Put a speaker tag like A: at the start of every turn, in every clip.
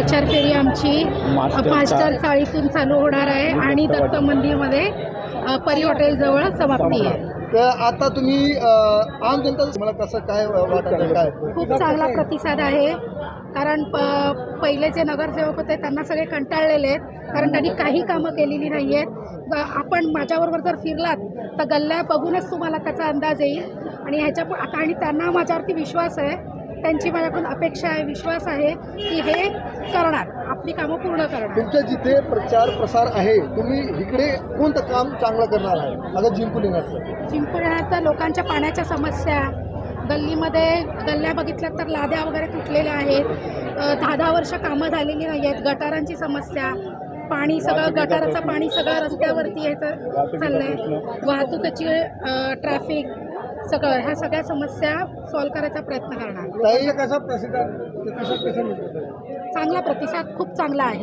A: प्रचार फेरी आमची मास्टर चाळीतून चालू होणार आहे आणि दत्त मंदिरमध्ये परी हॉटेलजवळ समाप्ती आहे.
B: तर आता तुम्ही आम जनता मला कसं काय वाटतं काय?
A: खूप चांगला प्रतिसाद आहे. कारण पहिले जे नगरसेवक होते त्यांना सगळे कंटाळलेले आहेत, कारण त्यांनी काही कामं केलेली नाही आहेत. आपण माझ्याबरोबर जर फिरलात तर गल्ल्या बघूनच तुम्हाला त्याचा अंदाज येईल. आणि ह्याच्या आता आणि त्यांना माझ्यावरती विश्वास आहे, त्यांची माझ्याकडून अपेक्षा आहे, विश्वास आहे की हे करणार, आपली कामं पूर्ण करणार.
B: तुमच्या जिथे प्रचार प्रसार आहे तुम्ही इकडे कोणतं काम चांगलं करणार आहे अगर जिंकून येणार?
A: जिंकून येणार तर लोकांच्या पाण्याच्या समस्या, गल्लीमध्ये गल्ल्या बघितल्या तर लाद्या वगैरे तुटलेल्या आहेत, 10-10 वर्ष कामं झालेली नाही आहेत, गटारांची समस्या, पाणी सगळं गटाराचं पाणी सगळं रस्त्यावरती यायचं चाललं आहे, वाहतुकीची ट्रॅफिक, सगळं ह्या सगळ्या समस्या सॉल्व करायचा प्रयत्न करणार.
B: कसा प्रतिसाद?
A: चांगला प्रतिसाद, खूप चांगला आहे.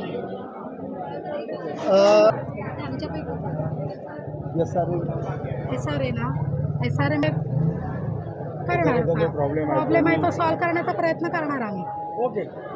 A: SRA ना, SRA करणार प्रॉब्लेम आहे तो सॉल्व करण्याचा प्रयत्न करणार आम्ही.
B: ओके.